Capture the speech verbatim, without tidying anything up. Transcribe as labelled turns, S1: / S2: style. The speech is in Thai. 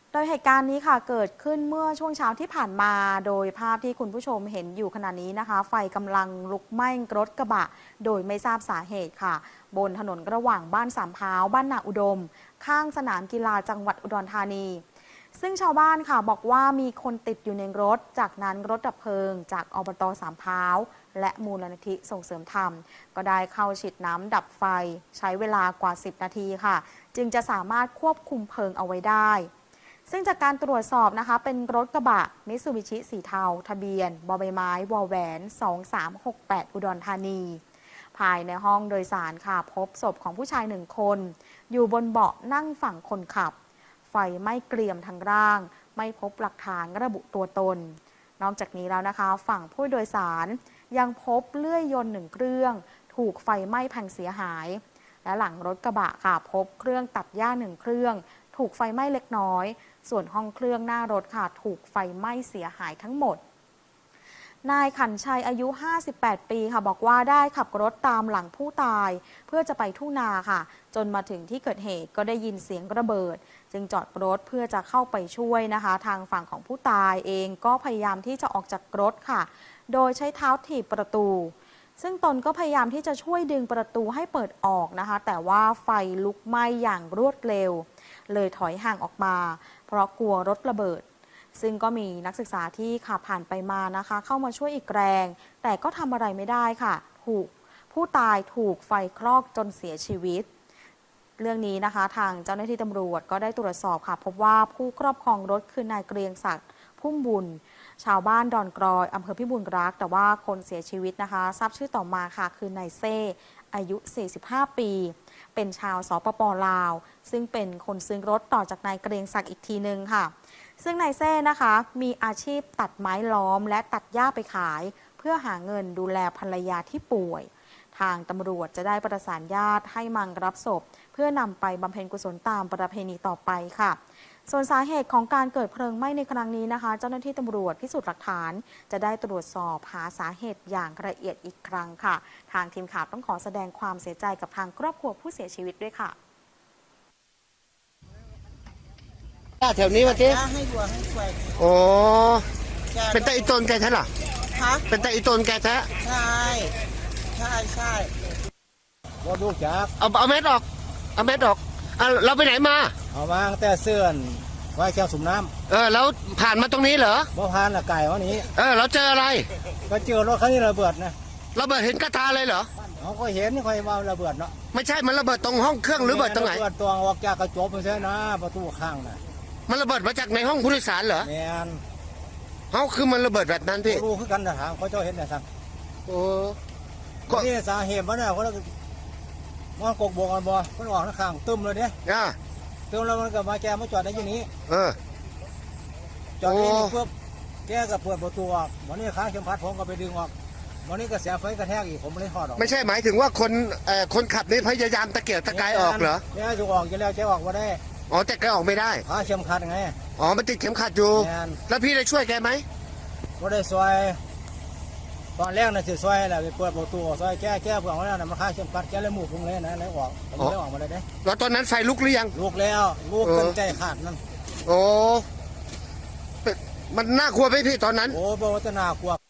S1: โดยเหตุการณ์นี้ค่ะเกิดขึ้นเมื่อช่วงเช้าที่ผ่านมาโดยภาพที่คุณผู้ชมเห็นอยู่ขณะนี้นะคะไฟกำลังลุกไหม้รถกระบะโดยไม่ทราบสาเหตุค่ะบนถนนระหว่างบ้านสามพร้าวบ้านนาอุดมข้างสนามกีฬาจังหวัดอุดรธานีซึ่งชาวบ้านค่ะบอกว่ามีคนติดอยู่ในรถจากนั้นรถดับเพลิงจากอบต.สามพร้าวและมูลนิธิส่งเสริมธรรมก็ได้เข้าฉีดน้ำดับไฟใช้เวลากว่าสิบนาทีค่ะจึงจะสามารถควบคุมเพลิงเอาไว้ได้ซึ่งจากการตรวจสอบนะคะเป็นรถกระบะมิตซูบิชิสีเทาทะเบียนบอใบไม้วอแหวนสองสามหกแปดอุดรธานีภายในห้องโดยสารค่ะพบศพของผู้ชายหนึ่งคนอยู่บนเบาะนั่งฝั่งคนขับไฟไหม้เกรียมทั้งร่างไม่พบหลักฐานระบุตัวตนนอกจากนี้แล้วนะคะฝั่งผู้โดยสารยังพบเลื่อยยนต์หนึ่งเครื่องถูกไฟไหม้พังเสียหายและหลังรถกระบะค่ะพบเครื่องตัดหญ้าหนึ่งเครื่องถูกไฟไหม้เล็กน้อยส่วนห้องเครื่องหน้ารถค่ะถูกไฟไหม้เสียหายทั้งหมดนายขันชัยอายุห้าสิบแปดปีค่ะบอกว่าได้ขับรถตามหลังผู้ตายเพื่อจะไปทุ่งนาค่ะจนมาถึงที่เกิดเหตุก็ได้ยินเสียงระเบิดจึงจอดรถเพื่อจะเข้าไปช่วยนะคะทางฝั่งของผู้ตายเองก็พยายามที่จะออกจากรถค่ะโดยใช้เท้าถีบประตูซึ่งตนก็พยายามที่จะช่วยดึงประตูให้เปิดออกนะคะแต่ว่าไฟลุกไหม้อย่างรวดเร็วเลยถอยห่างออกมาเพราะกลัวรถระเบิดซึ่งก็มีนักศึกษาที่ขับผ่านไปมานะคะเข้ามาช่วยอีกแรงแต่ก็ทำอะไรไม่ได้ค่ะถูกผู้ตายถูกไฟคลอกจนเสียชีวิตเรื่องนี้นะคะทางเจ้าหน้าที่ตำรวจก็ได้ตรวจสอบค่ะพบว่าผู้ครอบครองรถคือนายเกรียงศักดิ์พุ่มบุญชาวบ้านดอนกรอยอำเภอพิบูลรักษ์แต่ว่าคนเสียชีวิตนะคะทราบชื่อต่อมาค่ะคือนายเซ่อายุสี่สิบห้าปีเป็นชาวสปป.ลาวซึ่งเป็นคนซื้อรถต่อจากนายเกรียงศักดิ์อีกทีนึงค่ะซึ่งนายเซ่นะคะมีอาชีพตัดไม้ล้อมและตัดหญ้าไปขายเพื่อหาเงินดูแลภรรยาที่ป่วยทางตำรวจจะได้ประสานญาติให้มังรับศพเพื่อนำไปบำเพ็ญกุศลตามประเพณีต่อไปค่ะส่วนสาเหตุของการเกิดเพลิงไหม้ในครั้งนี้นะคะเจ้าหน้าที่ตำรวจพิสูจน์หลักฐานจะได้ตรวจสอบหาสาเหตุอย่างละเอียดอีกครั้งค่ะทางทีมข่าวต้องขอแสดงความเสียใจกับทางครอบครัวผู้เสียชีวิตด้วยค่ะ
S2: แถวนี้มาที
S3: ให้วัวให้ควาย
S2: โอ้เป็นตาอีตนแกแท้หรอ
S3: ฮะ
S2: เป็นตาอีตนแกแท้
S3: ใช่ใช่ใช่
S2: ว่าดูจักเอาเอาเม็ดออกเอาเม็ดออกเอาเราไปไหนมา
S4: เอามาตั้งแต่เสื่อนไว้แก้วสูบน้
S2: ำเออแล้วผ่านมาตรงนี้เหรอ
S4: บ่ผ่านละไก่วันนี้
S2: เออเราเจออะไร
S4: ก็เจอรถคันนี้ระเบิดนะ
S2: ระเบิดเห็นกระทาเลยเหรอ
S4: เขาก็เห็นนี่คอยมาระเบิดเนาะ
S2: ไม่ใช่มันระเบิดตรงห้องเครื่องหรือระเบิดตรงไหน
S4: ระเบิดตัวออกจากกระจกไปใช่นะประตูข้างน่ะ
S2: มันระเบิดมาจากในห้องผู้โดยสารเหรอ
S4: แมน
S2: เขาคือมันระเบิดแบบนั้นพี่
S4: รู้คือกันนะทางเขาเจ้าเห็นแต่ทาง
S2: โอ้
S4: ก็นี่สาเหตุมันเนี่ยเขาเลยมันกกบกันบ่มันออกข้างตึมเลยเนี่ย
S2: อ่า
S4: ตึมแล้วมันก็มาแกมาจอดในที่นี้
S2: เออ
S4: จอดนี่เพื่อแกก็เปิดประตูออกวันนี้ค้าเข็มขัดผมก็ไปดึงออกวันนี้ก็เสียไฟกระแทกอีกผมไม่ได้ถอดออก
S2: ไม่ใช่หมายถึงว่าคนเอ่อคนขับนี่พยายามตะเกียกตะกายออกเหรอ
S4: เนี่ยจะออกจะแล้วจะออกมาได้
S2: อ๋อแต่แกออกไม่ได้
S4: ค้าเข็มขัดไง
S2: อ๋อมันติดเข็มขัดอยู่แล้วพี่ได้ช่วยแกไหม
S4: ก็ได้ซอยตอนแรกน่ะสิซอยแหละไปเปิดประตูซอยแก้แก้เพื่อนแล้วน่ะมันค้าเข็มขัดแก้เลยหมู่พุ่งเลยนะแล้วออกผมได้ออกมาเลยเด้
S2: แล้วตอนนั้นไฟลุกหรือยัง
S4: ลุกแล้วลุกจนใจขาดนั่น
S2: โอ้มันน่ากลัวไหมพี่ตอนนั้น
S4: โอ้บอกว่าจะน่ากลัว